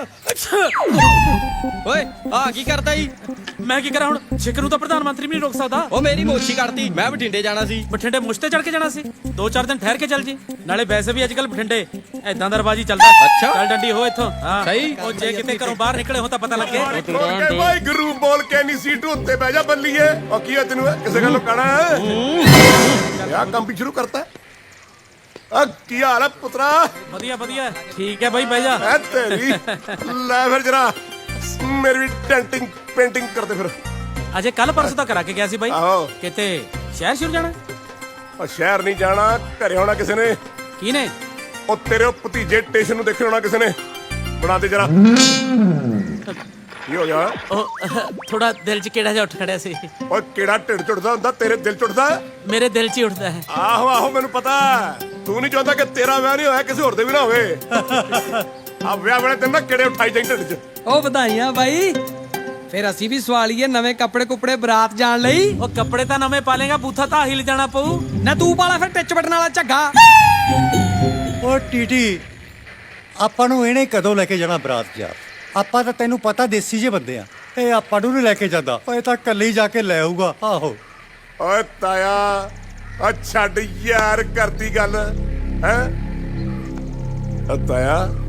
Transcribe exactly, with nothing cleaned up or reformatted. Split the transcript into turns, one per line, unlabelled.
ਓਏ ਆ ਕੀ ਕਰਦਾ ਜੀ?
ਮੈਂ ਕੀ ਕਰਾਂ ਹੁਣ? ਛਿੱਕ ਨੂੰ ਤਾਂ ਪ੍ਰਧਾਨ ਮੰਤਰੀ ਵੀ ਨਹੀਂ ਰੋਕ ਸਕਦਾ।
ਉਹ ਮੇਰੀ ਮੋਛੀ ਕੱਢਤੀ, ਮੈਂ ਬਠਿੰਡੇ ਜਾਣਾ ਸੀ।
ਬਠਿੰਡੇ ਮੁੱਛ ਤੇ ਚੜ ਕੇ ਜਾਣਾ ਸੀ? ਦੋ ਚਾਰ ਦਿਨ ਠਹਿਰ ਕੇ ਚੱਲ ਜੀ। ਨਾਲੇ ਵੈਸੇ ਵੀ ਅੱਜ ਕੱਲ ਬਠਿੰਡੇ ਐਦਾਂ ਦਾ ਰਵਾਜੀ ਚੱਲਦਾ।
ਅੱਛਾ।
ਚੱਲ ਡੰਡੀ ਹੋ ਇੱਥੋਂ। ਹਾਂ
ਸਹੀ।
ਉਹ ਜੇ ਕਿਤੇ ਘਰੋਂ ਬਾਹਰ ਨਿਕਲੇ ਹੋ ਤਾਂ ਪਤਾ ਲੱਗੇ।
ਓਕੇ ਭਾਈ ਗੁਰੂ ਬੋਲ ਕੇ ਨਹੀਂ ਸੀਟ ਉੱਤੇ ਬਹਿ ਜਾ ਬੱਲੀਏ। ਉਹ ਕੀ ਹੈ ਤੈਨੂੰ ਕਿਸੇ ਗੱਲੋਂ ਕਹਿਣਾ ਯਾ ਕੰਮ ਵੀ ਸ਼ੁਰੂ ਕਰਤਾ। ਆ ਕੀ ਹਾਲ ਹੈ ਪੁੱਤਰਾ?
ਵਧੀਆ ਵਧੀਆ ਠੀਕ ਹੈ ਬਾਈ, ਬਹਿ ਜਾ।
ਐ ਤੇਰੀ ਲੈ ਫਿਰ ਜਰਾ ਮੇਰੀ ਵੀ ਡੈਂਟਿੰਗ ਪੇਂਟਿੰਗ ਕਰਦੇ ਫਿਰ।
ਅਜੇ ਕੱਲ ਪਰਸੋਂ ਤਾਂ ਕਰਾ ਕੇ ਗਿਆ ਸੀ ਬਾਈ।
ਆਹੋ।
ਕਿਤੇ ਸ਼ਹਿਰ ਸ਼ੁਰੂ ਜਾਣਾ?
ਉਹ ਸ਼ਹਿਰ ਨਹੀਂ ਜਾਣਾ, ਘਰੇ ਹੋਣਾ ਕਿਸੇ ਨੇ।
ਕੀ ਨੇ?
ਉਹ ਤੇਰੇ ਉਹ ਭਤੀਜੇ ਸਟੇਸ਼ਨ ਨੂੰ ਦੇਖੇ ਹੋਣਾ ਕਿਸੇ ਨੇ। ਬਣਾ ਦੇ ਜਰਾ। ਕੀ ਹੋ ਗਿਆ?
ਉਹ ਥੋੜਾ ਦਿਲ 'ਚ ਕਿਹੜਾ ਜਿਹਾ ਉੱਠ ਖੜਿਆ ਸੀ।
ਓਏ ਕਿਹੜਾ ਢਿੱਡ ਝੁੱਟਦਾ ਹੁੰਦਾ? ਤੇਰੇ ਦਿਲ ਝੁੱਟਦਾ?
ਮੇਰੇ ਦਿਲ 'ਚ ਹੀ ਉੱਠਦਾ ਹੈ।
ਆਹੋ ਆਹੋ ਮੈਨੂੰ ਪਤਾ। ਤੂੰ ਨਹੀਂ ਚਾਹੁੰਦਾ ਕਿ ਤੇਰਾ ਵਿਆਹ ਨਹੀਂ ਹੋਇਆ ਕਿਸੇ ਹੋਰ ਦੇ ਵੀ ਨਾ ਹੋਵੇ। ਆ ਵਿਆਹ ਵੇਲੇ ਤੈਨੂੰ ਨਾ ਕਿਹੜੇ ਉਠਾਈ ਜਾਈ ਢਿੱਡ 'ਚ।
ਉਹ ਵਧਾਈਆਂ ਬਾਈ। ਫਿਰ ਅਸੀਂ ਵੀ ਸਵਾਲੀਏ ਨਵੇਂ ਕੱਪੜੇ ਕੁਪੜੇ ਬਰਾਤ ਜਾਣ ਲਈ।
ਉਹ ਕੱਪੜੇ ਤਾਂ ਨਵੇਂ ਪਾ ਲੇਗਾ, ਬੂਥਾ ਤਾਂ ਹਿਲ ਜਾਣਾ ਪਊ।
ਨਾ ਤੂੰ ਪਾਲਾ ਫਿਰ ਟਿੱਚ ਬਟਨ ਵਾਲਾ ਝੱਗਾ।
ਓ ਟੀਟੀ, ਆਪਾਂ ਨੂੰ ਇਹਨੇ ਕਦੋਂ ਲੈ ਕੇ ਜਾਣਾ ਬਰਾਤ ਯਾਰ? ਆਪਾਂ ਤਾਂ ਤੈਨੂੰ ਪਤਾ ਦੇਸੀ ਜੇ ਬੰਦੇ ਆ। ਇਹ ਆਪਾਂ ਨੂੰ ਨਹੀਂ ਲੈ ਕੇ ਜਾਂਦਾ। ਓਏ ਤਾਂ ਕੱਲੇ ਹੀ ਜਾ ਕੇ ਲੈ ਆਊਗਾ। ਆਹੋ
ਓਏ ਤਾਇਆ ਆ ਛੱਡ ਯਾਰ ਕਰਦੀ ਗੱਲ ਹੈ। ਤਾਇਆ